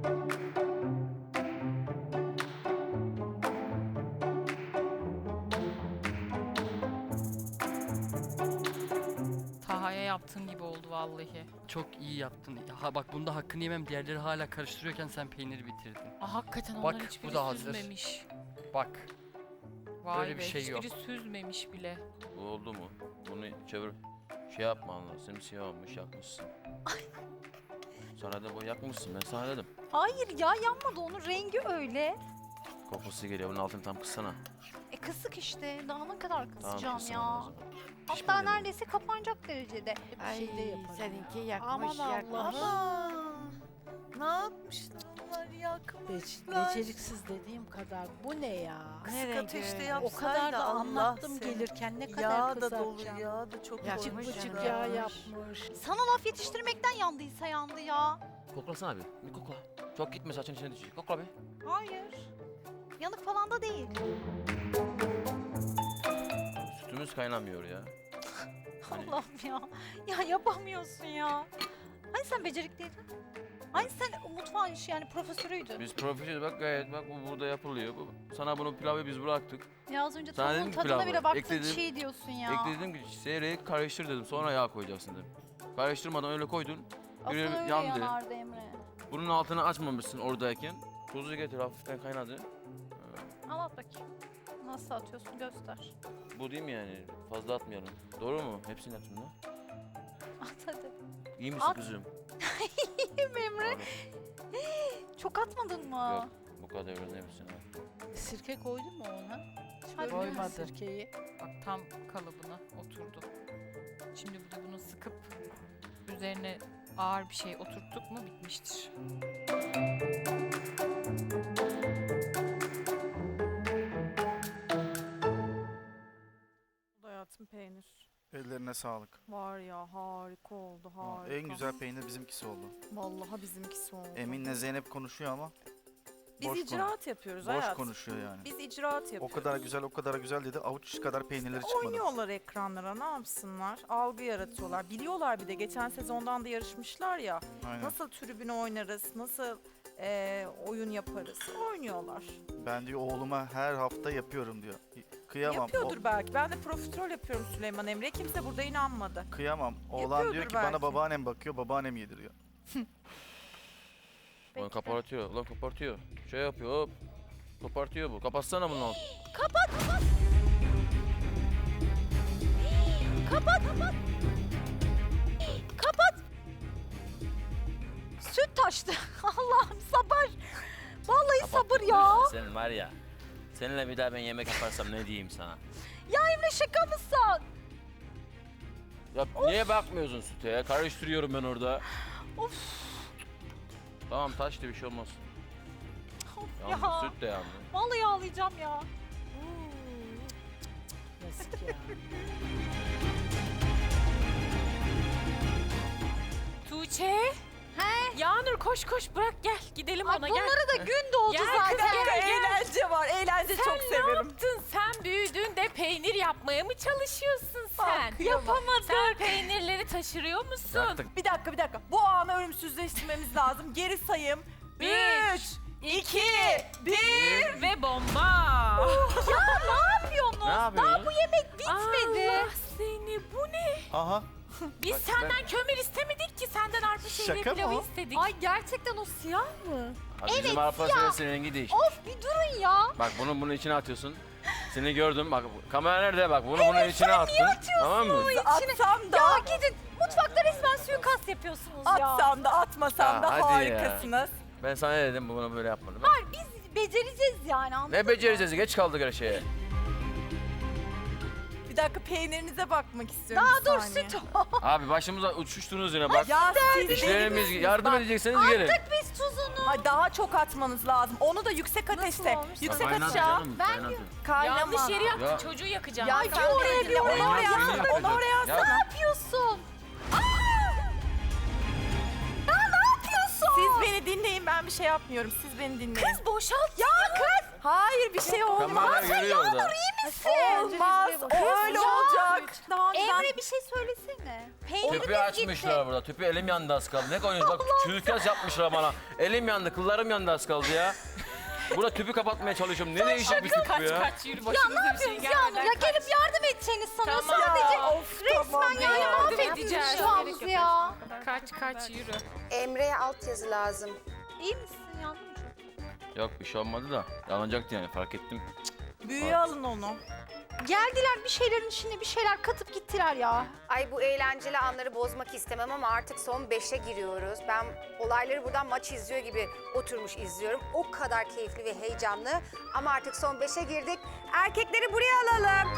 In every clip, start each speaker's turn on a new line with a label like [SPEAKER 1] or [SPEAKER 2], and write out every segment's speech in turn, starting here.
[SPEAKER 1] Taha'ya yaptığım gibi oldu vallahi.
[SPEAKER 2] Çok iyi yaptın. Ha bak bunda hakkını yemem. Diğerleri hala karıştırıyorken sen peyniri bitirdin.
[SPEAKER 1] Hakikaten
[SPEAKER 2] Bak,
[SPEAKER 1] onların
[SPEAKER 2] bu
[SPEAKER 1] hiçbiri
[SPEAKER 2] da hazır.
[SPEAKER 1] süzmemiş.
[SPEAKER 2] Bak.
[SPEAKER 1] Vay
[SPEAKER 2] Böyle
[SPEAKER 1] be,
[SPEAKER 2] bir şey yok.
[SPEAKER 1] hiçbiri süzmemiş bile.
[SPEAKER 3] Bu oldu mu? Bunu çevir. Şey yapma Allah. Simsiyah olmuş yakmışsın. Sana da bu yakmışsın. Ben sana dedim.
[SPEAKER 4] Hayır ya, yanmadı, onun rengi öyle.
[SPEAKER 3] Kokusu geliyor. Bunun altını tam kıssana.
[SPEAKER 4] Kısık işte. Daha ne kadar
[SPEAKER 3] Tamam
[SPEAKER 4] kısacağım
[SPEAKER 3] kıssana
[SPEAKER 4] ya.
[SPEAKER 3] o zaman.
[SPEAKER 4] Hatta
[SPEAKER 3] Pişmedi mi?
[SPEAKER 4] neredeyse kapanacak derecede.
[SPEAKER 5] Ay,
[SPEAKER 4] Bir şey de yaparım.
[SPEAKER 5] seninki
[SPEAKER 4] ya.
[SPEAKER 5] yakmış,
[SPEAKER 4] Aman
[SPEAKER 5] yakmış.
[SPEAKER 4] Allah'ım.
[SPEAKER 6] Ne yapmışlar onlar yakmışlar.
[SPEAKER 7] Beceriksiz dediğim kadar. Bu ne ya?
[SPEAKER 5] Ne
[SPEAKER 6] Kısık
[SPEAKER 5] rengi?
[SPEAKER 6] ateşte
[SPEAKER 7] O
[SPEAKER 6] yapsaydı
[SPEAKER 7] kadar da
[SPEAKER 6] Allah
[SPEAKER 7] anlattım
[SPEAKER 6] seni.
[SPEAKER 7] gelirken ne kadar
[SPEAKER 6] Yağ da dolu,
[SPEAKER 7] kızartacağım.
[SPEAKER 6] yağ da çok
[SPEAKER 5] Yakmış
[SPEAKER 6] koymuş.
[SPEAKER 7] Bıcık
[SPEAKER 5] canım.
[SPEAKER 7] yağ
[SPEAKER 5] Yakmış.
[SPEAKER 7] yapmış.
[SPEAKER 4] Sana laf yetiştirmekten yandıysa yandı ya.
[SPEAKER 3] Koklasana bir. Bir kokla. Çok gitme saçın içine düşecek. Kokla bir.
[SPEAKER 4] Hayır. Yanık falan da değil.
[SPEAKER 3] Sütümüz kaynamıyor ya. Hani-
[SPEAKER 4] Allah'ım ya. Ya yapamıyorsun ya. Hani sen becerikliydin? Hani sen mutfağın işi yani profesörüydün?
[SPEAKER 3] Biz profesyonel bak gayet bak bu burada yapılıyor. Sana bunu pilavı biz bıraktık.
[SPEAKER 4] Ya az önce
[SPEAKER 3] Sana
[SPEAKER 4] tavuğun
[SPEAKER 3] dedim ki
[SPEAKER 4] tadına
[SPEAKER 3] pilavı,
[SPEAKER 4] bile baktın,
[SPEAKER 3] ekledim.
[SPEAKER 4] çiğ diyorsun ya.
[SPEAKER 3] Ekledim ki seyrek karıştır dedim. Sonra yağ koyacaksın dedim. Karıştırmadan öyle koydun.
[SPEAKER 4] Asıl
[SPEAKER 3] Biri
[SPEAKER 4] öyle
[SPEAKER 3] yandı.
[SPEAKER 4] yanardı Emre.
[SPEAKER 3] Bunun altını açmamışsın oradayken. Tuzu getir hafiften kaynadı.
[SPEAKER 4] Anlat bakayım. Nasıl atıyorsun göster.
[SPEAKER 3] Bu değil mi yani? Fazla atmayalım. Doğru mu? Hepsini yaptın mı?
[SPEAKER 4] At hadi.
[SPEAKER 3] İyi misin
[SPEAKER 4] At.
[SPEAKER 3] kızım?
[SPEAKER 4] İyiyim Emre.
[SPEAKER 3] Pardon.
[SPEAKER 4] Çok atmadın mı?
[SPEAKER 3] Yok. Bu kadar öğrenebilirsin ha.
[SPEAKER 7] Sirke koydun mu ona?
[SPEAKER 4] Hadi
[SPEAKER 7] Koymadı.
[SPEAKER 1] Koymadı.
[SPEAKER 7] Sirkeyi.
[SPEAKER 1] Bak tam kalıbına oturdu. Şimdi bir de bunu sıkıp üzerine ağır bir şey oturttuk mu bitmiştir.
[SPEAKER 6] Hayatım peynir.
[SPEAKER 8] Ellerine sağlık.
[SPEAKER 6] Var ya harika oldu harika.
[SPEAKER 8] En güzel peynir bizimkisi oldu.
[SPEAKER 6] Vallahi bizimkisi oldu.
[SPEAKER 8] Emin'le Zeynep konuşuyor ama
[SPEAKER 6] Biz
[SPEAKER 8] boş
[SPEAKER 6] icraat yapıyoruz
[SPEAKER 8] boş
[SPEAKER 6] hayatım.
[SPEAKER 8] konuşuyor yani.
[SPEAKER 6] Biz icraat yapıyoruz.
[SPEAKER 8] O kadar güzel, o kadar güzel dedi. Avuç kadar peynirleri çıkmadı.
[SPEAKER 6] Oynuyorlar ekranlara, ne yapsınlar? Algı yaratıyorlar. Biliyorlar bir de geçen sezondan da yarışmışlar ya.
[SPEAKER 8] Aynen.
[SPEAKER 6] Nasıl tribüne oynarız, nasıl oyun yaparız. Oynuyorlar.
[SPEAKER 8] Ben diyor oğluma her hafta yapıyorum diyor. Kıyamam.
[SPEAKER 6] Yapıyordur belki. Ben de profiterol yapıyorum Süleyman Emre'ye. Kimse burada inanmadı.
[SPEAKER 8] Kıyamam. Oğlan
[SPEAKER 6] Yapıyordur
[SPEAKER 8] diyor ki
[SPEAKER 6] belki.
[SPEAKER 8] bana babaannem bakıyor, babaannem yediriyor.
[SPEAKER 3] Ulan kapartıyor. Ulan kapartıyor. Şey yapıyor hop. Kopartıyor bu. Kapatsana bunu.
[SPEAKER 4] Kapat. Süt taştı. Allah'ım sabır. Vallahi sabır ya.
[SPEAKER 3] Senin var ya. Seninle bir daha ben yemek yaparsam ne diyeyim sana?
[SPEAKER 4] Ya Emre şaka mısın?
[SPEAKER 3] Ya niye bakmıyorsun süte ya? Karıştırıyorum ben orada.
[SPEAKER 4] Of.
[SPEAKER 3] Tamam taştı bir şey olmaz.
[SPEAKER 4] Ya.
[SPEAKER 3] Yandı süt de yandı.
[SPEAKER 4] Vallahi ağlayacağım ya.
[SPEAKER 7] Yazık ya.
[SPEAKER 1] Tuğçe!
[SPEAKER 4] He?
[SPEAKER 1] Yağnur koş koş bırak gel gidelim
[SPEAKER 4] Ay
[SPEAKER 1] ona gel.
[SPEAKER 4] bunlara da gün doğdu
[SPEAKER 1] Gel
[SPEAKER 4] zaten.
[SPEAKER 1] kız, gel.
[SPEAKER 6] Eğlence var. Eğlence çok
[SPEAKER 1] Ne
[SPEAKER 6] severim.
[SPEAKER 1] yaptın? Sen büyüdün de peynir yapmaya mı çalışıyorsun sen?
[SPEAKER 6] Yapamadım.
[SPEAKER 1] Sen peynirleri taşırıyor musun?
[SPEAKER 3] Bıraktık.
[SPEAKER 6] Bir dakika. Bu anı ölümsüzleştirmemiz lazım. Geri sayım.
[SPEAKER 1] 1,
[SPEAKER 6] 3, 2, 1.
[SPEAKER 1] Ve bomba.
[SPEAKER 4] Ne yapıyorsunuz?
[SPEAKER 3] Ne yapıyorsun?
[SPEAKER 4] Bu yemek bitmedi.
[SPEAKER 1] Allah seni bu ne?
[SPEAKER 8] Aha.
[SPEAKER 1] Biz
[SPEAKER 3] Bak,
[SPEAKER 1] senden kömür istemedik ki senden arpa şehriye
[SPEAKER 8] Şaka mı
[SPEAKER 1] pilavı
[SPEAKER 8] o?
[SPEAKER 1] istedik.
[SPEAKER 4] Ay gerçekten o siyah mı?
[SPEAKER 3] Abi
[SPEAKER 4] Evet,
[SPEAKER 3] bizim arpa senesinin rengi değişti.
[SPEAKER 4] Of bir durun ya.
[SPEAKER 3] Bak bunun içine atıyorsun. Seni gördüm bak kamera nerede bak bunun içine attın. Tamam mı?
[SPEAKER 6] Atsam da,
[SPEAKER 4] Ya gidin mutfakta resmen suikast yapıyorsunuz ya.
[SPEAKER 6] atsam da, atmasam
[SPEAKER 3] Ya
[SPEAKER 6] da
[SPEAKER 3] hadi ya.
[SPEAKER 6] harikasınız.
[SPEAKER 3] Ben sana ne dedim bunu böyle yapmadım.
[SPEAKER 4] Biz becereceğiz yani anladın
[SPEAKER 3] Ne
[SPEAKER 4] mı?
[SPEAKER 3] becereceğiz geç kaldık her şeye.
[SPEAKER 6] Bir dakika peynirinize bakmak istiyorum.
[SPEAKER 4] Daha
[SPEAKER 6] bir
[SPEAKER 4] dur
[SPEAKER 6] saniye.
[SPEAKER 4] süt.
[SPEAKER 3] Abi başımıza uçuştunuz yine bak.
[SPEAKER 6] Ya siz
[SPEAKER 3] İşlerimiz
[SPEAKER 6] deli
[SPEAKER 3] yardım
[SPEAKER 6] misiniz?
[SPEAKER 3] edecekseniz gelin.
[SPEAKER 4] Attık biz tuzunu.
[SPEAKER 6] Ha, daha çok atmanız lazım. Onu da yüksek ateşte.
[SPEAKER 4] olmuş?
[SPEAKER 6] Yüksek
[SPEAKER 3] Kaynat
[SPEAKER 6] ateşe.
[SPEAKER 3] canım,
[SPEAKER 4] Ben
[SPEAKER 3] kaynat.
[SPEAKER 6] Kaynama.
[SPEAKER 1] Yanlış yeri yaktın
[SPEAKER 3] Ya.
[SPEAKER 1] çocuğu yakacağım.
[SPEAKER 6] Ya
[SPEAKER 4] Ay,
[SPEAKER 6] sen
[SPEAKER 4] oraya
[SPEAKER 6] de
[SPEAKER 4] bir
[SPEAKER 6] onu
[SPEAKER 4] oraya
[SPEAKER 6] oraya
[SPEAKER 3] suyunu
[SPEAKER 6] atsana. Onu oraya
[SPEAKER 3] yakacağız.
[SPEAKER 6] atsana.
[SPEAKER 4] Ne yapıyorsun?
[SPEAKER 6] Siz beni dinleyin, ben bir şey yapmıyorum. Siz beni dinleyin.
[SPEAKER 1] Kız boşalt.
[SPEAKER 4] Ya kız
[SPEAKER 6] Hayır bir şey olmaz.
[SPEAKER 3] Kamera görüyor orada.
[SPEAKER 6] Olmaz. O öyle olacak. Daha önceden
[SPEAKER 4] Emre bir şey söylesene. Peynirimiz
[SPEAKER 3] Tüpü açmışlar burada. Tüpü elim yandı az kaldı. Ne koyuyorsun? Bak çürükaz yapmışlar bana. Elim yandı, kıllarım yandı az kaldı ya. Burada tüpü kapatmaya çalışıyorum. Ne değişik bir tüp bu ya.
[SPEAKER 1] Kaç yürü başımıza bir şey gelmeden
[SPEAKER 4] Ya gelip yardım edeceğiniz sanıyor
[SPEAKER 1] Tamam.
[SPEAKER 4] sadece.
[SPEAKER 6] Ya, of, tamam
[SPEAKER 4] Yani
[SPEAKER 6] ya.
[SPEAKER 1] edeceğiz.
[SPEAKER 4] şu an bizi ya.
[SPEAKER 1] Kaç yürü.
[SPEAKER 5] Emre'ye altyazı lazım.
[SPEAKER 4] İyi misin Yağmurcuğum?
[SPEAKER 3] Yok bir şey olmadı da. Yanacaktı yani fark ettim.
[SPEAKER 6] Büyüye alın onu.
[SPEAKER 4] Geldiler bir şeylerin içine bir şeyler katıp gittiler ya.
[SPEAKER 5] Ay bu eğlenceli anları bozmak istemem ama artık son 5'e giriyoruz. Ben olayları buradan maç izliyor gibi oturmuş izliyorum. O kadar keyifli ve heyecanlı. Ama artık son 5'e girdik. Erkekleri buraya alalım.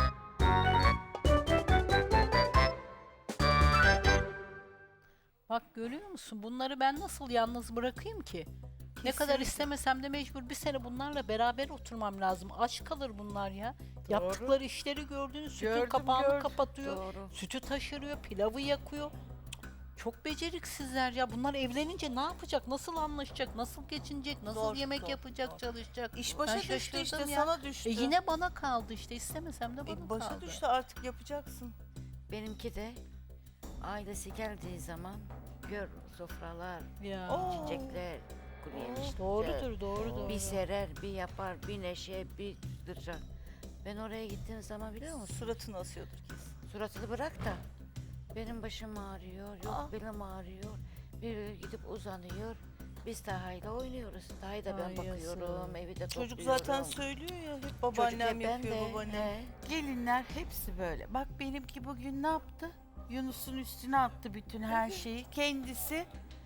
[SPEAKER 7] Bak görüyor musun? Bunları ben nasıl yalnız bırakayım ki? Ne kadar istemesem de mecbur bir sene bunlarla beraber oturmam lazım. Aç kalır bunlar ya. Yaptıkları işleri gördünüz. Sütün
[SPEAKER 6] Gördüm,
[SPEAKER 7] kapağını
[SPEAKER 6] gördüm.
[SPEAKER 7] kapatıyor.
[SPEAKER 6] Doğru.
[SPEAKER 7] Sütü taşırıyor, pilavı yakıyor. Çok beceriksizler ya. Bunlar evlenince ne yapacak? Nasıl anlaşacak? Nasıl geçinecek? Nasıl
[SPEAKER 6] Zor,
[SPEAKER 7] yemek
[SPEAKER 6] zor,
[SPEAKER 7] yapacak,
[SPEAKER 6] zor.
[SPEAKER 7] çalışacak?
[SPEAKER 6] İş
[SPEAKER 7] Ben
[SPEAKER 6] başa düştü
[SPEAKER 7] şaşırdım
[SPEAKER 6] işte
[SPEAKER 7] ya.
[SPEAKER 6] sana düştü.
[SPEAKER 7] Yine bana kaldı işte. İstemesem de bana
[SPEAKER 6] Başa
[SPEAKER 7] kaldı.
[SPEAKER 6] düştü artık yapacaksın.
[SPEAKER 9] Benimki de ailesi geldiği zaman gör sofralar,
[SPEAKER 7] Ya.
[SPEAKER 6] Oo.
[SPEAKER 9] çiçekler, kuru yemişler.
[SPEAKER 7] Doğrudur, doğru.
[SPEAKER 9] Bir serer, bir yapar, bir neşe, bir dırca. Ben oraya gittiğim zaman biliyor musun?
[SPEAKER 6] Suratını asıyordur kesin.
[SPEAKER 9] Suratını bırak da benim başım ağrıyor, yok
[SPEAKER 6] Aa.
[SPEAKER 9] belim ağrıyor. Bir gidip uzanıyor. Biz Taha'yla oynuyoruz. Taha'yı da ben
[SPEAKER 7] Ay
[SPEAKER 9] bakıyorum,
[SPEAKER 7] yazık.
[SPEAKER 9] evi de
[SPEAKER 6] Çocuk
[SPEAKER 9] topluyorum.
[SPEAKER 6] zaten söylüyor ya hep
[SPEAKER 9] Çocuk
[SPEAKER 6] babaannem
[SPEAKER 9] hep ben
[SPEAKER 6] yapıyor
[SPEAKER 9] de,
[SPEAKER 6] babaannem.
[SPEAKER 9] he.
[SPEAKER 10] Gelinler hepsi böyle. Bak benimki bugün ne yaptı? Yunus'un üstüne attı bütün her şeyi. Kendisi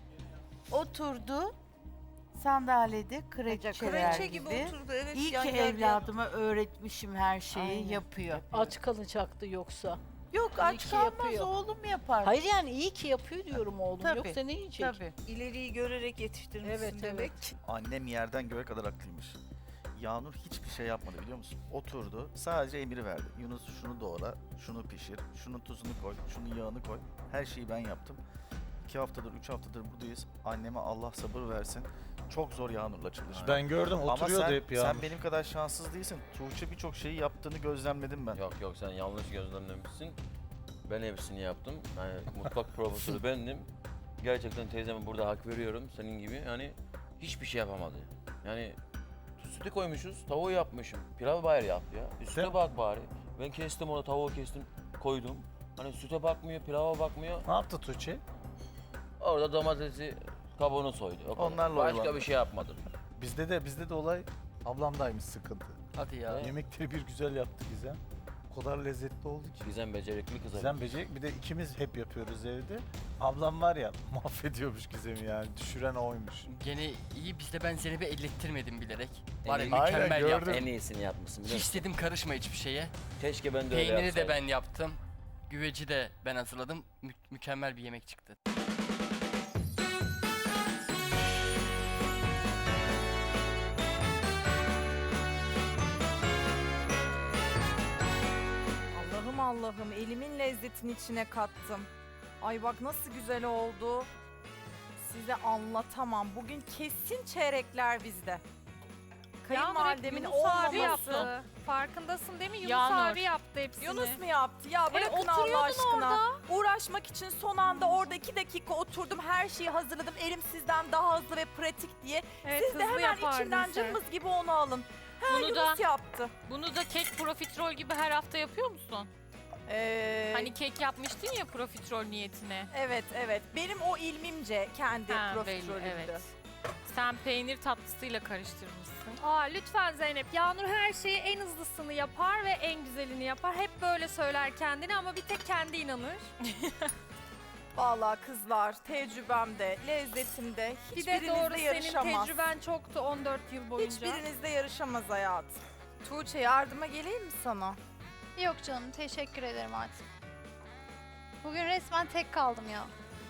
[SPEAKER 10] oturdu sandalyede kreçeler
[SPEAKER 6] Kraliçe gibi
[SPEAKER 10] gibi.
[SPEAKER 6] oturdu evet.
[SPEAKER 10] İyi
[SPEAKER 6] yan
[SPEAKER 10] ki
[SPEAKER 6] gel gel.
[SPEAKER 10] evladıma öğretmişim her şeyi
[SPEAKER 7] Aynen.
[SPEAKER 10] yapıyor.
[SPEAKER 7] Aç kalacaktı yoksa.
[SPEAKER 10] Yok
[SPEAKER 7] İyi
[SPEAKER 10] aç
[SPEAKER 7] ki
[SPEAKER 10] kalmaz
[SPEAKER 7] yapıyor.
[SPEAKER 10] oğlum yapar.
[SPEAKER 7] Hayır yani iyi ki yapıyor diyorum oğlum.
[SPEAKER 10] Tabii,
[SPEAKER 7] Yoksa ne yiyecek?
[SPEAKER 10] Tabii.
[SPEAKER 6] İleriyi görerek yetiştirmişsin
[SPEAKER 7] Evet,
[SPEAKER 6] demek.
[SPEAKER 8] Annem yerden göğe kadar haklıymış. Yağnur hiçbir şey yapmadı biliyor musun? Oturdu, sadece emir verdi. Yunus şunu doğra, şunu pişir, şunun tuzunu koy, şunun yağını koy. Her şeyi ben yaptım. 2 haftadır, 3 haftadır buradayız. Anneme Allah sabır versin. Çok zor Yağnur'la çalışmak.
[SPEAKER 11] Ben gördüm
[SPEAKER 8] Ama
[SPEAKER 11] oturuyordu
[SPEAKER 8] sen,
[SPEAKER 11] hep ya.
[SPEAKER 8] sen benim kadar şanssız değilsin. Tuğçe birçok şeyi yaptığını gözlemledim ben.
[SPEAKER 3] Yok sen yanlış gözlemlemişsin. Ben hepsini yaptım. Yani mutfak profesörü bendim. Gerçekten teyzeme burada hak veriyorum senin gibi. Yani hiçbir şey yapamadı. Yani sütü koymuşuz, tavuğu yapmışım. Pilav bari yap ya. Üstüne
[SPEAKER 11] Değil
[SPEAKER 3] bak bari. Ben kestim onu, tavuğu kestim, koydum. Hani süte bakmıyor, pilava bakmıyor.
[SPEAKER 11] Ne yaptı Tuğçe?
[SPEAKER 3] Orada domatesi kabuğunu soydu. O kadar.
[SPEAKER 8] Onlarla
[SPEAKER 3] Başka
[SPEAKER 8] oyalandı.
[SPEAKER 3] bir şey yapmadım.
[SPEAKER 11] Bizde de olay ablamdaymış sıkıntı.
[SPEAKER 2] Hadi ya.
[SPEAKER 11] Yemekleri bir güzel yaptı Gizem. O kadar lezzetli oldu ki.
[SPEAKER 3] Gizem becerikli kız.
[SPEAKER 11] Gizem becerik. Bir de ikimiz hep yapıyoruz evde. Ablam var ya mahvediyormuş Gizem'i yani. Düşüren oymuş.
[SPEAKER 2] Gene iyi bizde ben Zeynep'e ellettirmedim bilerek. Var ya
[SPEAKER 3] iyi-
[SPEAKER 11] Aynen,
[SPEAKER 2] mükemmel
[SPEAKER 11] gördüm.
[SPEAKER 2] yaptım.
[SPEAKER 3] En iyisini yapmışsın biliyor
[SPEAKER 2] Hiç
[SPEAKER 3] musun?
[SPEAKER 2] dedim karışma hiçbir şeye.
[SPEAKER 3] Keşke ben de öyle
[SPEAKER 2] Peyniri de
[SPEAKER 3] yapsaydım.
[SPEAKER 2] ben yaptım. Güveci de ben hazırladım. Mükemmel bir yemek çıktı.
[SPEAKER 6] Allah'ım Allah'ım elimin lezzetini içine kattım. Ay bak nasıl güzel oldu. Size anlatamam. Bugün kesin çeyrekler bizde. Kayınvalidemin
[SPEAKER 1] Yunus abi
[SPEAKER 6] olmaması.
[SPEAKER 1] yaptı. Farkındasın değil mi? Yunus
[SPEAKER 6] Yağmur.
[SPEAKER 1] abi yaptı hepsini.
[SPEAKER 6] Yunus mu yaptı? Ya bırakın Allah
[SPEAKER 1] oturuyordun
[SPEAKER 6] aşkına. Uğraşmak için son anda orada 2 dakika oturdum. Her şeyi hazırladım. Elim sizden daha hızlı ve pratik diye.
[SPEAKER 1] Evet,
[SPEAKER 6] Siz de
[SPEAKER 1] hızlı
[SPEAKER 6] hemen
[SPEAKER 1] yapardın
[SPEAKER 6] içinden
[SPEAKER 1] sen.
[SPEAKER 6] cımbız gibi onu alın. Ha,
[SPEAKER 1] Bunu
[SPEAKER 6] Yunus
[SPEAKER 1] da-
[SPEAKER 6] yaptı.
[SPEAKER 1] Bunu da kek profiterol gibi her hafta yapıyor musun? Hani kek yapmıştın ya profiterol niyetine.
[SPEAKER 6] Evet evet. Benim o ilmimce kendi
[SPEAKER 1] Ha, belli,
[SPEAKER 6] profiterolümdü.
[SPEAKER 1] evet. Sen peynir tatlısıyla karıştırmışsın. Aa lütfen Zeynep. Yağnur her şeyi en hızlısını yapar ve en güzelini yapar. Hep böyle söyler kendini ama bir tek kendi inanır.
[SPEAKER 6] Vallahi kızlar tecrübemde, lezzetimde
[SPEAKER 1] Bir de doğru
[SPEAKER 6] hiçbirinizle
[SPEAKER 1] senin
[SPEAKER 6] yarışamaz.
[SPEAKER 1] tecrüben çoktu 14 yıl boyunca.
[SPEAKER 6] Hiçbirinizle yarışamaz hayatım. Tuğçe yardıma geleyim mi sana?
[SPEAKER 4] Yok canım teşekkür ederim artık. Bugün resmen tek kaldım ya.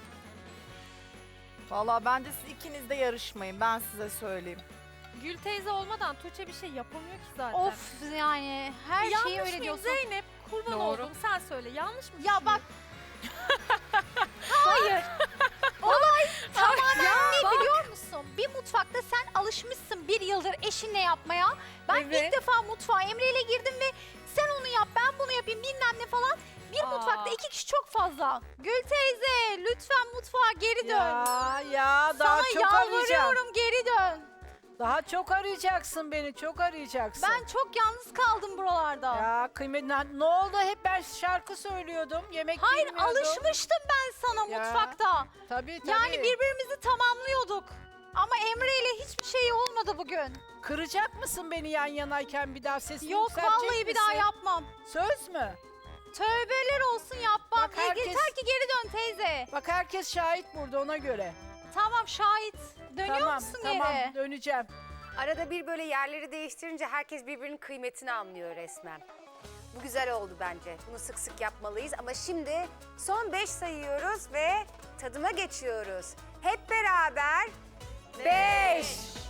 [SPEAKER 6] Vallahi bence siz ikiniz de yarışmayın ben size söyleyeyim.
[SPEAKER 1] Gül teyze olmadan Tuğçe bir şey yapamıyor ki zaten.
[SPEAKER 4] Of yani her şeyi
[SPEAKER 1] Yanlış
[SPEAKER 4] öyle
[SPEAKER 1] mıyım
[SPEAKER 4] diyorsun.
[SPEAKER 1] Zeynep? Kurban
[SPEAKER 6] Doğru.
[SPEAKER 1] oldum sen söyle. Yanlış mı
[SPEAKER 4] Ya bak.
[SPEAKER 1] Hayır.
[SPEAKER 4] Olay tamamen ne biliyor musun? musun? Bir mutfakta sen alışmışsın bir yıldır eşinle yapmaya. Ben
[SPEAKER 1] Evet.
[SPEAKER 4] ilk defa mutfağa Emre ile girdim ve sen onu yap, ben bunu yapayım bilmem ne falan. Bir
[SPEAKER 1] Aa.
[SPEAKER 4] mutfakta 2 kişi çok fazla. Gül teyze lütfen mutfağa geri dön.
[SPEAKER 7] Ya daha
[SPEAKER 4] Sana
[SPEAKER 7] çok arayacağım.
[SPEAKER 4] yalvarıyorum geri dön.
[SPEAKER 7] Daha çok arayacaksın beni, çok arayacaksın.
[SPEAKER 4] Ben çok yalnız kaldım buralarda.
[SPEAKER 7] Ya kıymet ne oldu? Hep ben şarkı söylüyordum, yemek
[SPEAKER 4] Hayır
[SPEAKER 7] bilmiyordum.
[SPEAKER 4] alışmıştım ben sana
[SPEAKER 7] Ya,
[SPEAKER 4] mutfakta.
[SPEAKER 7] Tabii.
[SPEAKER 4] Yani birbirimizi tamamlıyorduk. Ama Emre ile hiçbir şey olmadı bugün.
[SPEAKER 7] Kıracak mısın beni yan yanayken bir daha sesini
[SPEAKER 4] Yok
[SPEAKER 7] yükseltecek
[SPEAKER 4] vallahi bir daha
[SPEAKER 7] misin?
[SPEAKER 4] yapmam.
[SPEAKER 7] Söz mü?
[SPEAKER 4] Tövbeler olsun yapmam.
[SPEAKER 7] Bak herkes-
[SPEAKER 4] Yeter ki geri dön teyze.
[SPEAKER 7] Bak herkes şahit burada ona göre.
[SPEAKER 4] Tamam şahit. Dönüyor
[SPEAKER 7] tamam,
[SPEAKER 4] musun
[SPEAKER 7] tamam,
[SPEAKER 4] geri?
[SPEAKER 7] döneceğim.
[SPEAKER 5] Arada bir böyle yerleri değiştirince herkes birbirinin kıymetini anlıyor resmen. Bu güzel oldu bence. Bunu sık sık yapmalıyız ama şimdi son 5 sayıyoruz ve tadıma geçiyoruz. Hep beraber 5,